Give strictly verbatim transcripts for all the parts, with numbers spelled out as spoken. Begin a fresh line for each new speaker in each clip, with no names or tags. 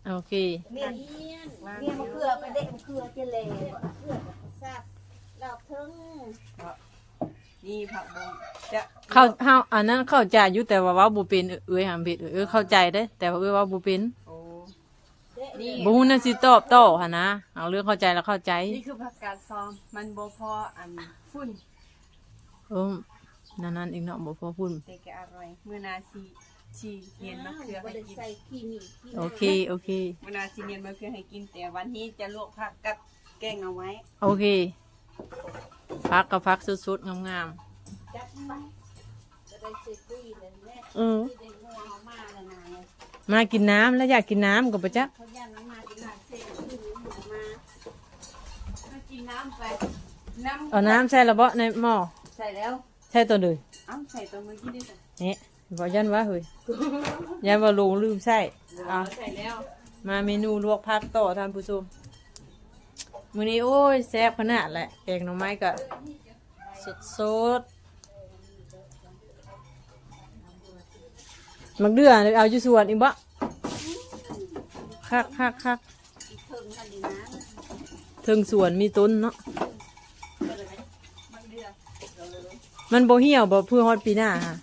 โอเค
เมียนเมียนเมียนมะเขือไปเด็กมะเขือเจเล่มะเขือซับดอกทึง
นี่ผักบงจะ
เข้าเฮาอันนั้นเข้าใจอยู่แต่ว่าเว้าบ่เป็นเอ้ยหามเผ็ดเอ้ยเข้าใจเด้แต่ว่าเอ้ยเว้าบ่เป็น
โอ้นี่
บ่ฮู้นั่นสิตอบโต้หั่นนะเอาเรื่องเข้าใจแล้วเข้าใจ
นี่คือผักกาดซอมมันบ่พออันฝุ่น
เออนั่นนั่นอีกเนาะบ่พอพูด
แต่ก็อร่อยมื้อนาซีชีเนียนมะเขือให้กิน
ใส่ขี้มีขี้
โอเคโอเค
มื้อนาซีเนียนมะเขือให้กินแต่วันนี้จะลวกผักกับแกงเอาไว้
โอเคพักกับพักสุดๆงาม
จับไปจะได้เสร็จดีเลยแม่
ๆเออ
ที่ได้งัวเอามาแล้วนะเนี่ย
มากินน้ำแล้วอยากกินน้ำก็บ่จ๊ะ
เขาย่านน้ำมากินน้ำเสร็จที่หมูมา
มากินน้ำไปน้ำ
เอาน้ำใส่ละบ่ในหม้อ
ใส่แล้ว
ใส่ตัวเลย
เอ้าใส่ตัวมือกินได้จ้ะ
เนี่ยบ่ยันว่าเฮ้ยยันว่าลงลืมใส่เอา
ใส่แล้ว มา
มาเมนูลวกผักต่อท่านผู้ชมมื้อนี้โอ้ยแซ่บขนาดแหละแกงหน่อไม้ก็สดๆมักเดือเอาอยู่สวนอีกบ่คักคักคัก
อีกเทิงกันดีนะ
ถึงสวนมีต้นเนาะ
มันเดือด
มันบ่เหี่ยวบ่เพื่อฮอดปีหน้าฮะ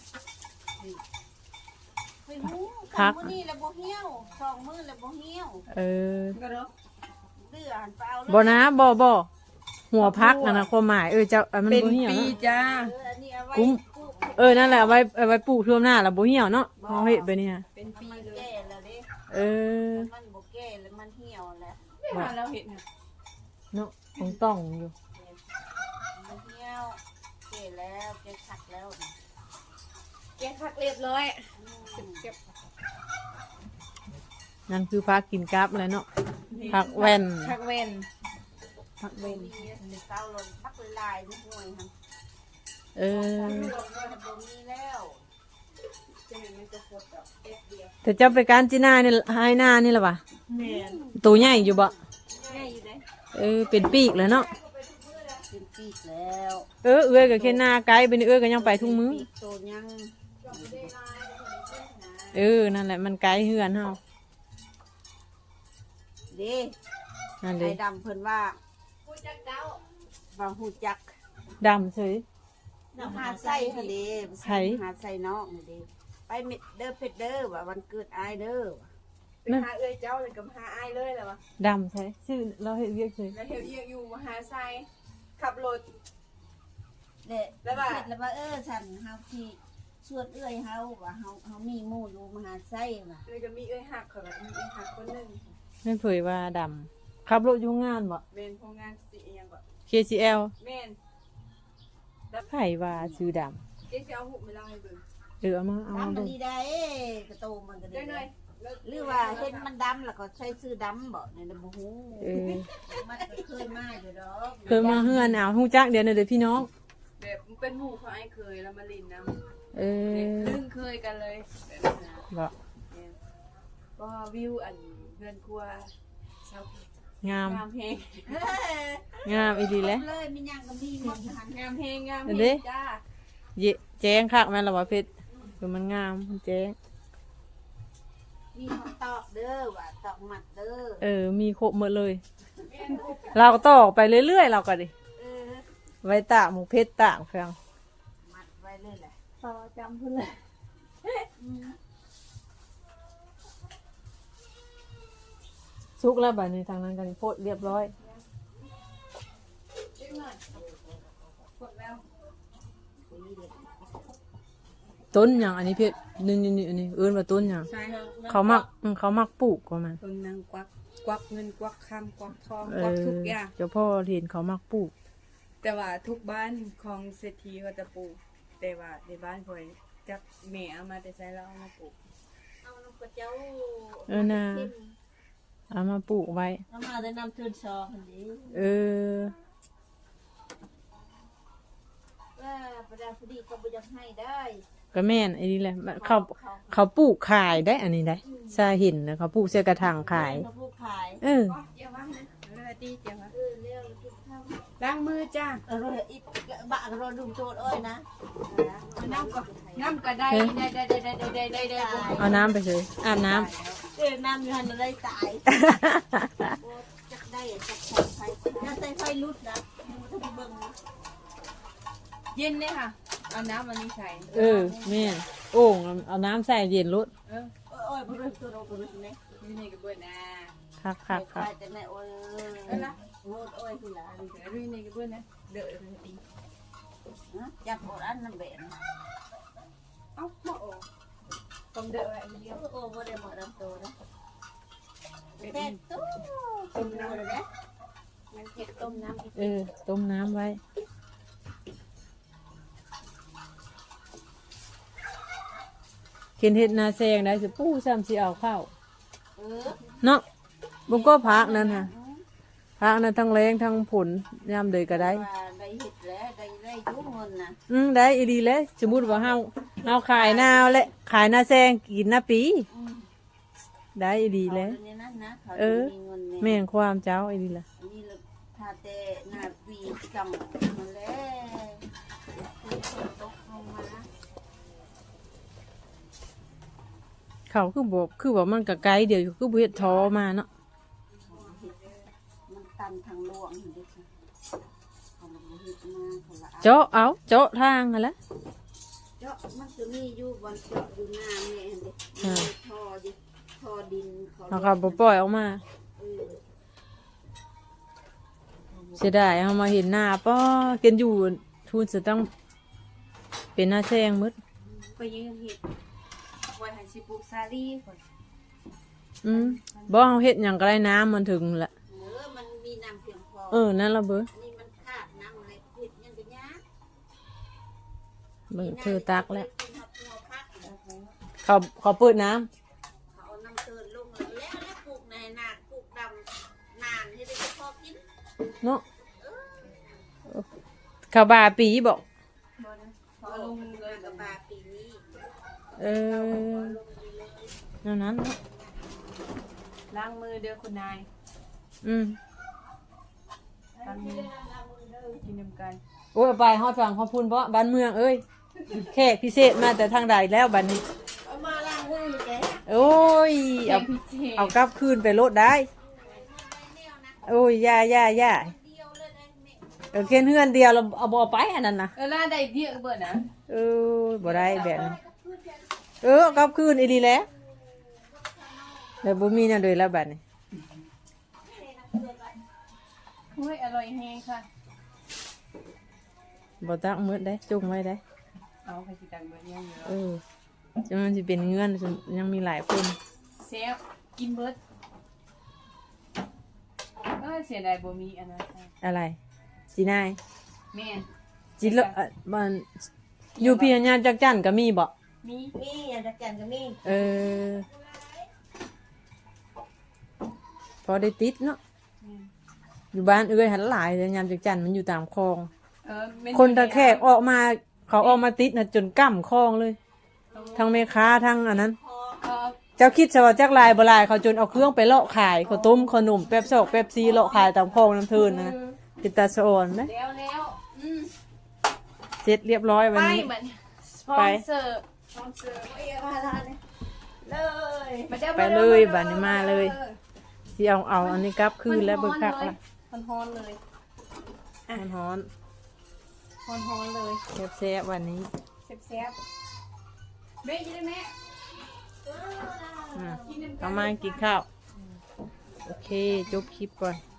ไปหู
พัก
มื้อนี้แล้วบ่เหี่ยวสองมื้อแล้วบ่เหี่ยว
เออ
ก็เนาะ
เดือหันไปเอาเลย
บ่นะบ่บ่หัวพักนั่นนะความหมายเออเจ้าเออมัน
เป็น
บ่เหี่ยว
ปี
เนาะ
จ้า
เอออันนี้เอาไว้
กุ้ม
ปลูก
เออนั่นแหละเอาไว้เอาไว้ปลูกท่วมหน้าแล้วบ่เหี่ยวเนาะเฮาเฮ็ดไปนี่ฮะ
เป็นปี
มัน
เลย
แก่แล้วเด้
เออ
มันบ่แก่แล้วมันเหี่ยวแล้ว
ไม่มาแล้วเห็นนะ
เนาะของต้องอยู่
มันเหี่ยวแก่แล้วแก่ขัดแล้ว
แกงผักเรียบร้อย
อืม
เก็บ
นั่นคือพักกินกับอะไรเนาะผักแว่น
ผักเวน
ผักเว่น
มีเต้าลนพักลายนิดหน่อยครับ
เออ
ลงก็บ่มีแล้ว
จะเห็นมันจะสดแบบเอ็ดเดียว
แต่เจ้าไปการจีน่านี่ให้หน้านี่ล่ะวะ
แม่น
ตัวใหญ่อยู่บ่
แม่อยู่ไหน
เออเป็นปีกแล้วเนาะ
เป็นปีกแล้ว
เออเอื้อยก็แค่หน้าไกลไปนี่เอื้อยก็ยังไปทุกมื้อ
ปีกโตยัง
เออนั่นแหละมันไกลเฮือนเฮา
เด้
นั่นเล
ไอ้
ย
ดำเพิ่นว่าฮู้จักเจ้าว่าฮู้จัก
ดำเฉย
หาไส้ทะเล
ไผ
หาไส้นอกนี่เด้ไปเม็ดเด้อเป็ดเด้อว่าวันเกิดอายเด้อว่ะ
ไปหาเอ้ยเจ้าเลยกับหาอ้ายเลยแหละวะ
ดำใช่ชื่อเราเฮ็ดเรียกเฉย
แล้วเฮียเอียงอยู่มหาไซขับรถ
เด้
แล้วว่า
เฮ็ดแล้วว่าเออฉันเฮาที่ชวนเอื้อยเฮาว่าเฮาเฮามีหมู่อยู่มหาไส้ว่ะ
เลยก็มีเอ้ยหักเขาแบบมีเอ้ยหักคนหนึ่ง
ไม่เผยว่าดำขับรถอยู่งานบ่
เป็นโครงงานสีเอียงแบบ
เค ซี แอล
แม่น
ไผว่าชื่อด
เจ๊จะเอาหุบมาเล่าให้เบิ่ง
ำเออเอามาเอา
ดำ
มา
มั
ดู
นดีได้กระโตมันก็
ได้
ได้
หน่อย
หรือว่าเห็นมันดำแล้วก็ใช้ชื่อดำบ่เนี่ยบ่ฮู้
เออ
มันก็เคยมาอยู่ดอก
เคยมาเฮือนเอาฮู้จักเดี๋ยวนะเด้อพี่น้อง
แบบเป็นหมู่ของไอ้เคยแล้วมาลินน้
เอ
ำเด็ก
อ
ลึ่งเคยกันเลยแบบนั้นนะ
บ่
แม่นก็วิวอันเพื่อนครัวชาว
งาม
งามเพลง
เฮ้ย
งามอีหลีแหละ
เลยมีหยังก็มีหมดหัน
งามเพลงงามเพ
เห็น
ล
ดิ
งจ้า
เยแจ้งคักแม่นล่ะว่าเพชรคือมันงามมันแจ้ง
มีคำตอกเด้อว่าตอกหมัดเด้อ
เออมีครบหมดเลย เราก็ตอกไปเรื่อยๆเราก็ดิ
เออ
ไว้ตากหมูเพชรตากเพียง
หมัดไว้เลยแหละ
ต่อจำเพื่อนเลย
อืม
สุกแล้วบัดนี้ทางนั้นกันโพดเรียบร้อย
นิดหน่อยกดแล้ว
คุยเด็ก
ต้นหยังอันนี้เพชรนี่นี่นี่อันนี้เอิ้นว่าต้นหยัง
ใช่ครับ
เขามักอืมเขามักปลูกก็มัน
ต้นนางกวักกวักเงินกวักคำกวักทอง
เอก
วัก
อ
ทุกอย่าง
เจ้าพ่อเห็นเขามักปลูก
แต่ว่าทุกบ้านของเศรษฐีเขาจะปลูก แต่ว่าในบ้านคอยจับแม่เอามาแต่ใช้แล้วเอามาปลูก
เอาน้ำกระเจ้า
เออนะเอามาปลูกไว้
เอามาได้น้ำทืนซอคันนี้
เออ
ว่าประดาพอดีเขาบ่อยากให้ได้
ก็แม่นไอ้นี่แหละมันเขาเขาปลูกขายได้อันนี้ได้ซาเห็นนะเขาปลูกเสื้อกระถางขาย
เขาผู้ขาย
เออ
เจียวว่านะเวลาตีเจียวว่า
เออเร็วกินข้าว
ล้างมือจ้า
เอออีบะเราดุมโจดอ้อยนะ
น้ำก็น้ำก็ได้ได้ได้ได้ได้ได้ได้ได้
เอาน้ำไปเลยอาบน้
เออน้ำอยู่หันได้ตาย
ำ
จักได้จักใส่ไฟถ้าใส่ไฟลุดนะถ้าไปเบิ่ง
เย็นเลยค่ะเอาน้ำมันนี้ใส่
เออแม่นโอ่งเอาน้ำใส่เย็นรถ
เออ
โอ้ยบ่รู้ตัวเราบ่รู้ไหม
อยู่นี่ก็เบื่อนะ
คักคักคัก
แต่ในโอ้ย
เออละ
โอ้ยโอ้ยทีละ
เดี๋ยวอยู่นี่ก็เบื่อนะเดือดเลยตี
จับโอ้อันนั้นเบ็ด
เอ้ามาโอ้ต้มเดือดอะไรเดียว
โอ้บ่ได้หมดลำตัวนะแต่ตู้ต้มน้ำเลยนะ
มันเผ็ดต้มน้ำอีก
เออต้มน้ำไว้กินเห็ดนาแซงได้สิปู้ซ้ำสิเอาข้าว
เออ
เนาะบุกก็พักนั่นฮะพักนั่นทั้งแรงทั้งผลยามเดยก็ได้
ว่าได้เห็ดแล้วได้ได้ยุ่งเงินนะ
อืมได้อีดีเลยสมมุติว่าเฮาเฮาขายนาวและขายนาแซงกินนาปีได้อีดีเลย
เขาเนี่ยนั่นนะเขา
เออ
มีเงินเนี่ย
แม่นความเจ้าอีดีละ
นี่ละถ้าแต่หน้าปีจังมาแล้วตกลงมา
เขาคือบอกคือว่ามันก็ไกลเดียวอยู่คือบ่เฮ็ดท้อมาเนาะ
มันตันทางหลวงเห็นดิค่ะเขาลงมาเฮ็ดมาเขาละ
เจาะเอาเจาะทางหั่นแหละ
เจาะมันจะมีอยู่บนเจาะอยู่หน้าแม่เห็นดิ
อ่า
มีท่อดิท่อดินเขา
เขาก็บ่ปล่อยออกมา
เออ
เสียดายเฮามาเห็นหน้าป้อกินอยู่ทุนสิต้องเป็นหน้าแซงหมด
ก็ยืนเห็ดไว้ให้สิปลูกซาลีก่อน
อืมบ่เฮาเฮ็ดหยังก็ได้น้ำมันถึงละ
เออมันมีน้ำเพียงพอ
เออนั่นล่ะเบ้อ
นี่มันขาดน้ำอะไรเห็ดยังเป็นยาก
เบิ่งเธอตักแล้ว
กินหัวหัวพักแล้ว
เขาเขาเปิดน้ำ
เขาเอาน้ำเตือนลงแล้วแล้วแล้วปลูกในนาปลูกดำนานให้ได้พอกิน
เนาะเขาบาปีบอก
บ่นะพอลงเลย
กับบาปีนี้
เออนั่นนั้นเนาะ
ล้างมือเด้อคุณนาย
อืม
ล้างมือกินน้ำกัน
โอ้ยเอาไปฮอดฝั่งขอบคุณเพราะบ้านเมืองเอ้ยแขกพิเศษมาแต่ทางใดแล้วบัดนี้
เอามาล้างมือแก
โอ้ยเอา
พิเศษ
เอากลับคืนไปโลดได้ โอ้ยย่าย่าย่า
เดียวเลยนะแม่
เออเขียนเฮือนเดียวเราเอาบ่ไปอันนั้นนะ
เออล่าได้เดียกเบิดนะ
เออบ่ได้แบบนี้เออเอากลับคืนอีดีแหล้วแต่บ่มีนั่นเลยแล้วบัดนี้
เฮ้ยอร่อยแฮงค่ะ
บ่ตักมืดได้จุ่มไว้ได้
เอาใครสิตังเบิดยังอยู่
เออจะมันสิเป็นเงื่อนยังมีหลายคน
เซฟกินเบิดเออเสียดายบ่มีอันนั้นค่ะ
อะไรจีนาย
แม่น
จิโลเอ่อมันอยู่พี่ญาจักจันก็มีบ่
มี
มีอย่างตะแกนก็มี
เออพอได้ติดเนาะ
แม่น
อยู่บ้านเอ้ยหันหลายแต่ยามจักจันมันอยู่ตามคลอง
เออแม่
คนตะแคกออกมาเขาออกมาติดน่ะจนกั้มคลองเลย ทั้งแม่ค้าทั้งอันนั้น
เออ
เจ้าคิดซะว่าจักลายบ่ลายเขาจนเอาเครื่องไปเลาะขายข้าวต้มขนมแป๊บซอกแป๊บซีเลาะขายตามคลองน้ำเทินนะติดตาสะออนนะ
แล้วแล้วอืม
เสร็จเรียบร้อยวัน
ไป
นี้
เหมือนสปอนเซอร์สปอนเซอร์
เอ้ยมาทานเลยเลย
มาด้อ
ไปเลยบัดนี้มาเลยสิเอาเอาอันนี้กลับคืนแล้วเบิกคักละ
มันฮอนเลย
มันฮ้อน
ฮอนฮอนเลย
แซ่บๆวันนี้
แซ่บแซ่บเบ๊ยินได้ไหม
อ่ะเอามากินข้าว โอเค จบคลิปก่อน